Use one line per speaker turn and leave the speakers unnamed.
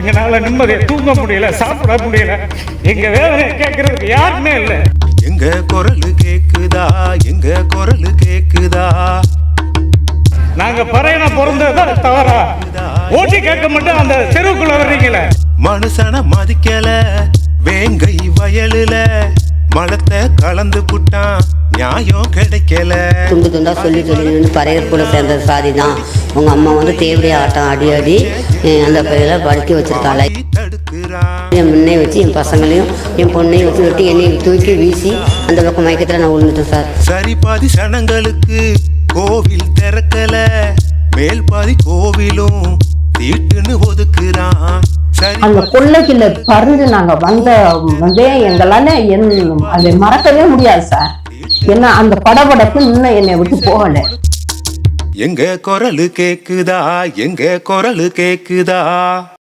எங்களால நிம்மதியை தூங்க முடியல, சாப்பிட முடியல. எங்க வேதனை கேட்கறதுக்கு யாருமே இல்லை.
எங்க குரல் கேக்குதா, எங்க குரல் கேக்குதா.
நாங்க பறையன பிறந்ததான் தவறா? ஓட்டி கேட்க மட்டும் அந்த தெருவுக்குள்ள வர்றீங்களே.
மனுஷன மதிக்கல, வேங்கை வயலுல மலத்தை கலந்து புட்டான், நியாயம் கிடைக்கல.
துண்டு துண்டா சொல்லி பறையர் கூட சேர்ந்த சாதி தான். உங்க அம்மா வந்து தேவடியா ஆட்டம் அடி அடி அந்த பையில படுத்தி வச்சிருக்காள். என் முன்னே வச்சு என் பசங்களையும் என் பொண்ணையும் வச்சு வெட்டி என்னையும் தூக்கி வீசி அந்த பக்கம் மயக்கத்தில் நான் விழுந்துட்டேன் சார்.
சரி பாதி சனங்களுக்கு கோவில் திறக்கல, மேல் பாதி கோவிலும் தீட்டுன்னு ஒதுக்குறான்.
அந்த கொள்ளைக்குள்ள பறந்து நாங்க வந்தே எங்களால அதை மறக்கவே முடியாது சார். ஏன்னா அந்த படபடப்பு இன்னும் என்னை விட்டு போகல.
எங்க குரல் கேக்குதா, எங்க குரல் கேக்குதா.